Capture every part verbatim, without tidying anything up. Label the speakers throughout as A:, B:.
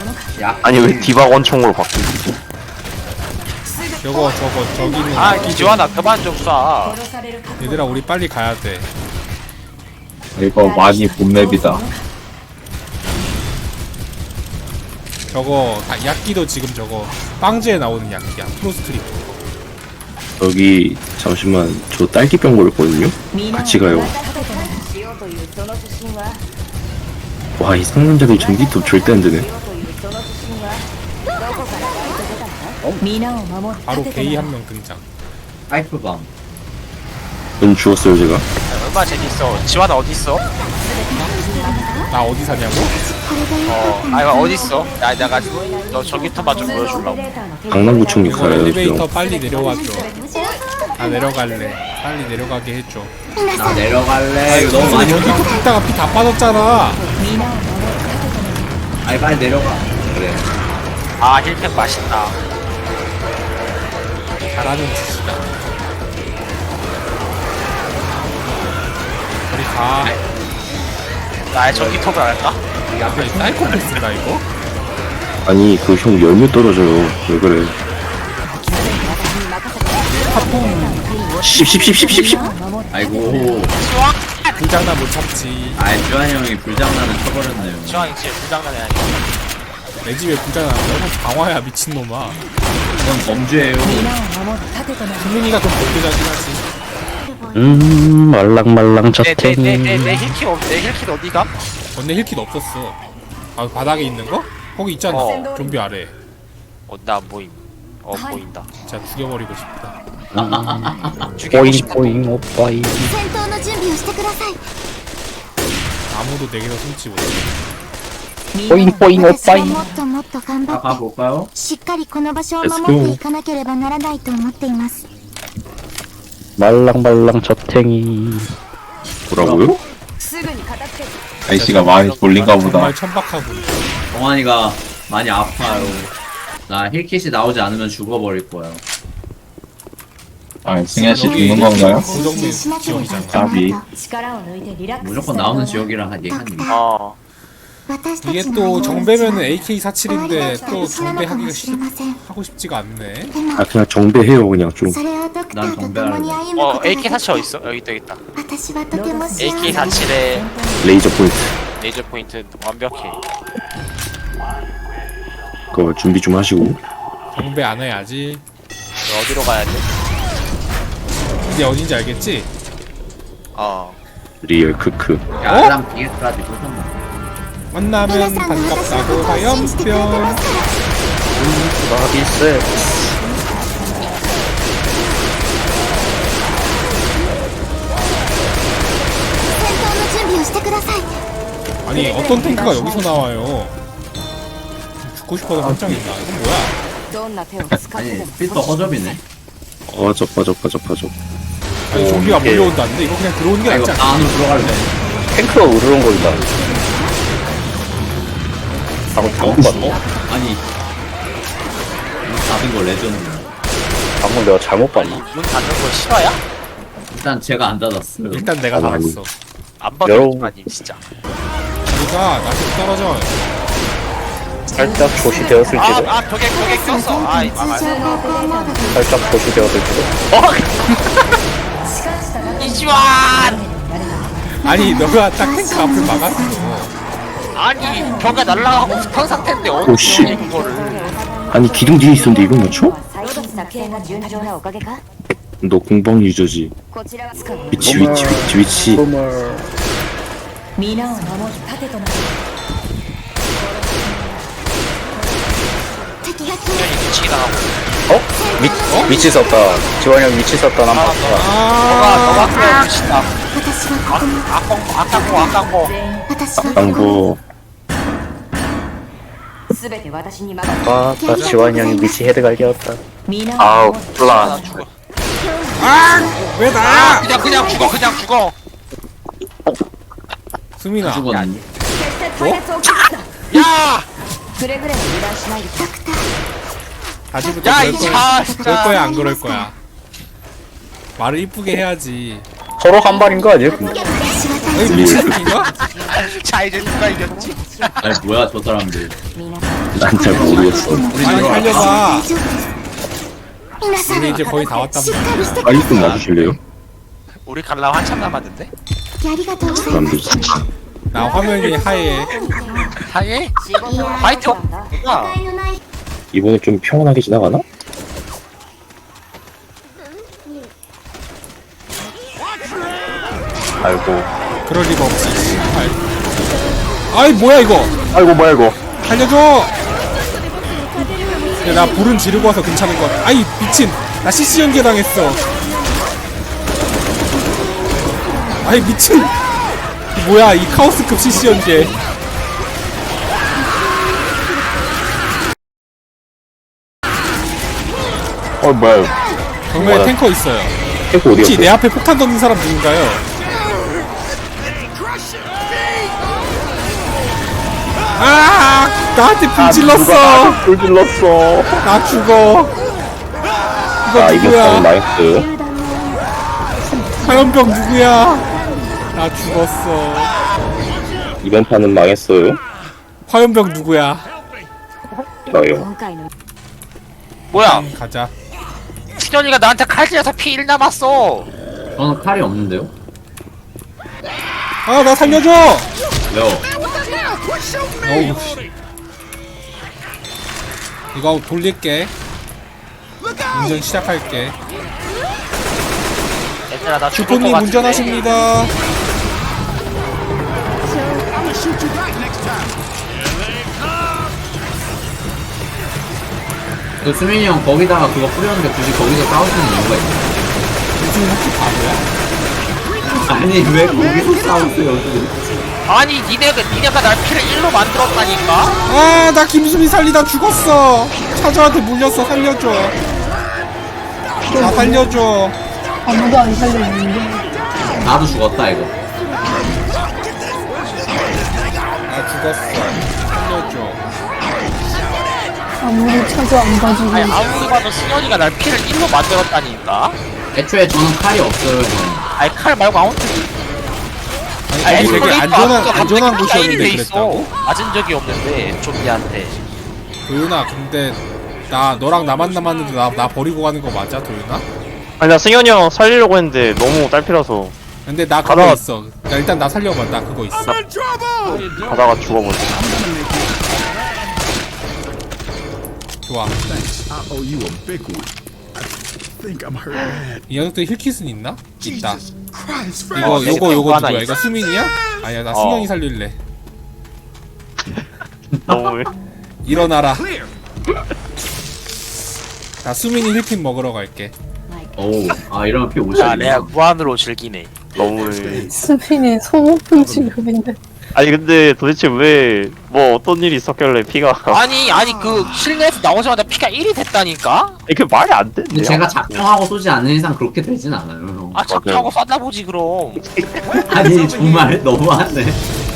A: 야,
B: 아니 왜 디바 원총으로 바뀌지?
C: 저거 저거 저기는
D: 아 기지환아 그만 좀 쏴.
C: 얘들아 우리 빨리 가야 돼.
A: 이거 많이 본맵이다.
C: 저거 아, 약기도 지금 저거 빵즈에 나오는 약기야. 프로스트립.
B: 여기 잠시만 저 딸기병 걸렸거든요? 같이 가요. 와 이 상남자들 전기톱 절대 안 되네.
C: 바로 게이 한 명 등장.
A: 파이프밤.
B: 전 죽었어요 제가.
D: 얼마 재밌어. 지환아 어디 있어?
C: 나 어디 사냐고?
D: 어, 아 이거 어디 있어? 야 내가 너 전기톱만 좀 보여주려고.
B: 강남구청
C: 이거
B: 가요
C: 엘리베이터
B: 지금.
C: 빨리 내려와줘. 나 내려갈래. 빨리 내려가게 해줘.
A: 나 내려갈래. 이거 너무 많이
C: 여기
A: 올라.
C: 또 붙다가 피 다 빠졌잖아.
A: 아니 빨리 내려가. 그래.
D: 아 힐팩 맛있다.
C: 잘하는 짓이다. 우리 가.
D: 나의 전기톱을 할까?
C: 이 앞에 사이코패스인가 이거?
B: 아니 그 형 열매 떨어져요. 왜 그래? 십십십십십십.
A: 아이고.
C: 불장난 못 참지.
A: 아이 주한 형이 불장난을 쳐버렸네요.
D: 지환이 지금 불장난해.
C: 내 집에 불장난 너무 방화야 미친놈아.
A: 이건 범죄예요.
C: 수민이가 좀 범죄자긴 하지.
B: 음 말랑말랑 저탱이.
D: 내내내내 힐킷 없, 내 힐킷 어디가?
C: 언니 힐킷 없었어. 아 바닥에 있는 거? 거기 있잖아.
D: 어.
C: 좀비 아래.
D: 어나 보임. 어 보인다.
C: 진짜 죽여버리고 싶다.
D: 죽이고
B: 뽀잉
D: 싶다.
B: 뽀잉 오빠이.
E: 戦闘の準備をしてください
C: 아무도 내게서 숨지 못해.
B: 뽀잉 뽀잉
E: 私は
B: 오빠이.
E: もっともっと頑張
A: 아
E: って
A: 가볼까요?
E: しっかりこの場所を
B: Let's
E: 守って
B: go.
E: いかなければならないと思っています
B: 말랑말랑 저탱이. 뭐라고요?
A: 아이씨가 많이 돌린가 보다.
C: 정말 천박하고.
A: 동환이가 많이 아파요. 나 힐킷이 나오지 않으면 죽어버릴 거야. 아, 승현 씨 죽는 건가요?
E: 修正しなければいけない
B: 까비.
E: と
A: 무조건 나오는 지역이라 한 얘기하니.
D: 어.
E: 私た
C: 이게
E: ちの
C: 또
E: 用
C: 정배면은
E: 終
C: 에이케이
E: わりだ
C: 사십칠인데
E: った
C: 또
E: り死なのか
C: 정배하기가
E: もしれ
C: 싫,
E: ません
C: 하고 싶지가 않네.
E: でも
B: 아 그냥 정배해요 그냥 좀.
E: それをドクターと
A: 난
E: 共に歩むこ
D: 어
E: とが
D: 에이케이
E: でき
D: 사칠 어디 있어? 여기 있다 여기 있다.
E: 私はとても幸せ
D: 에이케이 사십칠에
B: 레이저 포인트.
D: 레이저 포인트 완벽해.
B: 그거 준비 좀 하시고.
C: 정배 안 해야지.
D: 너 어디로 가야 돼?
C: 이제 어딘지 알겠지?
D: 어.
B: 리얼 크크.
A: 야,
C: 어?
A: 사람 비슷하지 못한다.
C: 만나면
E: 皆さんが私のこ
C: 반갑다고
E: とを信じてくれてま
C: 화염병.
E: すから
B: 나비스.
E: 戦闘の準備をしてください
C: 아니 어떤 탱크가 여기서 나와요? 죽고 싶어서 깜짝 있나? 이건 뭐야?
A: 아니, 필터 허접이네.
B: 빠져 빠져 빠져 빠져.
C: 아니 좀비가 몰려온다는데 이거 그냥 들어오는 게
A: 아, 이거
C: 낫지
A: 다
C: 않나?
A: 안으로 들어갈래.
B: 탱크가 으르렁거린다. 방금 잘못 봤네.
A: 아니. 문 닫은 거 레전드.
B: 방금 내가 잘못 봤나?
D: 문 닫는 거 실화야?
A: 일단 제가 안 닫았어요.
C: 일단 내가
B: 아니,
C: 나갔어.
D: 안
B: 여러분.
D: 받았지만 진짜.
C: 우리가 나한테 떨어져.
B: 살짝 조시되었을지도.
D: 아, 아 벽에 벽에 꼈어. 아, 이
E: 通
D: 망할.
E: 常航行モードで
B: 살짝 조시되었을지도.
D: 이지환!
C: 아니 너가 딱 탱크 앞을 막았어.
D: 아니 벽에 날라가고 스턴 상태인데
B: 오,
D: 어떻게
B: 씨.
D: 이거를?
B: 아니 기둥 뒤에 있었는데 이걸 맞춰?
E: 作戦が順調なおかげか
B: 너 공방 유저지.
E: こちらは
B: 위치 위치 위치 위치.
E: 皆を守る盾となる敵が来
D: 수현이 미치게 당하고.
B: 어? 위 위치 썼다. 지원이 형 위치 썼다. 난
D: 아,
B: 봤다.
D: 너가 너가 너가 그래 미친다.
E: 私は
D: 아,
E: ここに
D: 악광 악광고 악광고.
E: 私はここに
B: 당구.
E: 全て私に
B: 아까 지원이 형이 위치 헤드 갈겼다.
E: 皆を
B: 아우
E: 守る
B: 플라.
D: 나 죽어.
C: 왜
D: 아
C: 나야?
D: 그냥 그냥 죽어 그냥 죽어.
C: 수민아.
A: 죽었네.
D: 야!
E: くれぐれも油断しないでドクター
C: 다시부터
D: 야
C: 그럴
D: 이제
C: 거야.
D: 아
C: 그럴
D: 진짜.
C: 거야 안 그럴 거야? 말을 이쁘게 해야지.
B: 서로 한 발인 거 아니야?
E: 私は
C: 여기
E: 大丈夫
C: 미친 새끼인가?
D: 자 이제 누가 이겼지?
A: 아니, 뭐야, 저 사람들.
E: 皆さん
B: 난 잘 모르겠어.
C: 아니 살려봐.
E: 皆さん
C: 우리 이제 거의 다 왔단
E: しっ
C: 말이야.
E: かりしてく
B: 빨리 좀 놔주실래요?
D: 우리 갈라 한참 남았는데.
E: ありがとうござい
B: 그럼
E: ます
B: 되지.
C: 나 화면이 하얘.
D: 하예?
E: 仕事は
D: 화이트.
E: 違いのない
B: 이번에 좀 평온하게 지나가나? 아이고.
C: 그럴 리가 없지. 아이, 아이 뭐야 이거?
B: 아이고 뭐야 이거.
C: 살려줘. 야, 나 불은 지르고 와서 괜찮은 것 같아. 아이 미친. 나 씨씨 연계 당했어. 아이 미친. 이 뭐야 이 카오스급 씨씨 연계.
B: 어 뭐야.
C: 정말
B: 뭐야.
C: 탱커 있어요.
B: 탱크
C: 혹시
B: 어디였어?
C: 내 앞에 폭탄 던진 사람 누군가요? 아, 나한테 불 질렀어.
B: 불 질렀어.
C: 나 죽어. 이거
B: 아 이거
C: 누구야?
B: 좀 나이스.
C: 화염병 누구야? 나 죽었어.
B: 이번 판은 망했어요.
C: 화염병 누구야?
B: 저요.
E: 今回の
D: 뭐야?
C: 음, 가자.
D: 신현이가 나한테 칼 찔려서 피 일 남았어.
A: 저는 칼이 없는데요?
C: 아, 나 살려줘.
A: 왜요?
C: 어우. 씨. 이거 돌릴게. 운전 시작할게.
D: 얘들아 나 죽을 것
C: 주포님
D: 같은데.
C: 운전하십니다.
A: 그 수민이 형 거기다가 그거 뿌렸는데 굳이 거기서 싸우시는 이유가 있나요?
C: 무슨 혹시 바보야?
A: 아니 왜 거기서 싸우세요?
D: 아니 니네가 니네가 날 피를 일로 만들었다니까.
C: 아, 나 김수미 살리다 죽었어. 차저한테 물렸어. 살려줘. 나 살려줘.
F: 아무도 안 살려주는데.
A: 나도 죽었다 이거.
C: 나 죽었어. 살려줘.
F: 아무리 찾아 안 봐주고.
D: 아니 아무리 봐도 신현이가 날 피를 일로 만들었다니까.
A: 애초에 저는 칼이 없어요 형.
D: 아니 칼 말고 아무튼.
C: 아니, 거기 되게 안전한,
D: 갑자기
C: 안전한
D: 피가 일이 돼
C: 곳이었는데
D: 있어.
C: 그랬다고?
D: 맞은 적이 없는데 좀비한테.
C: 도윤아, 근데 나 너랑 나만 남았는데 나, 나 버리고 가는 거 맞아, 도윤아?
G: 아니 나 승현이 형 살리려고 했는데 너무 딸피라서
C: 근데 나 그거
G: 가다가-
C: 있어. 야, 일단 나 살려봐. 나 그거 있어.
G: 가다가 죽어버렸어.
C: 좋아.
H: I owe you a big one. I think I'm hurt bad.
C: 이 녀석들 힐킷은 있나? 있다.
H: Jesus Christ,
C: 이거
D: 어,
C: 요거
D: 내
C: 요거
D: 하나
C: 누구야?
D: 있어.
C: 이거 수민이야? 아니야, 나
G: 어.
C: 승현이 살릴래.
G: 너무
C: 일어나라.
H: clear.
C: 나 수민이 힐킷 먹으러 갈게.
A: 오우 아 이러면 피
D: 아
A: 오십이야.
D: 내가 무한으로 즐기네.
G: 너무
F: 수빈이 소모품 취급인데.
G: 아니 근데 도대체 왜 뭐 어떤 일이 있었길래 피가
D: 아니 아니 그 실내에서 나오자마자 피가 일이 됐다니까?
G: 아니 그 말이 안
A: 근데
G: 되는데
A: 제가 작정하고 쏘지 않는 이상 그렇게 되진 않아요 형.
D: 아 작정하고 쏴다보지 그럼.
A: 아니 정말 너무하네.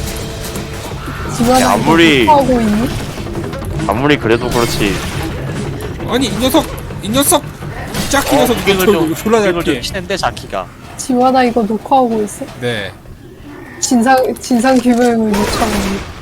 F: 집안에
G: 아무리-
F: 하고 있니?
G: 아무리 그래도 그렇지.
C: 아니, 이 녀석! 이 녀석! 짝기 녀석 이거
D: 이걸
C: 졸-
D: 좀
C: 졸라 잘
D: 이걸 좀
C: 피해.
D: 치는데 자키가.
F: 지화나 이거 녹화하고 있어.
C: 네.
F: 진상 진상 규명을 요청합니다.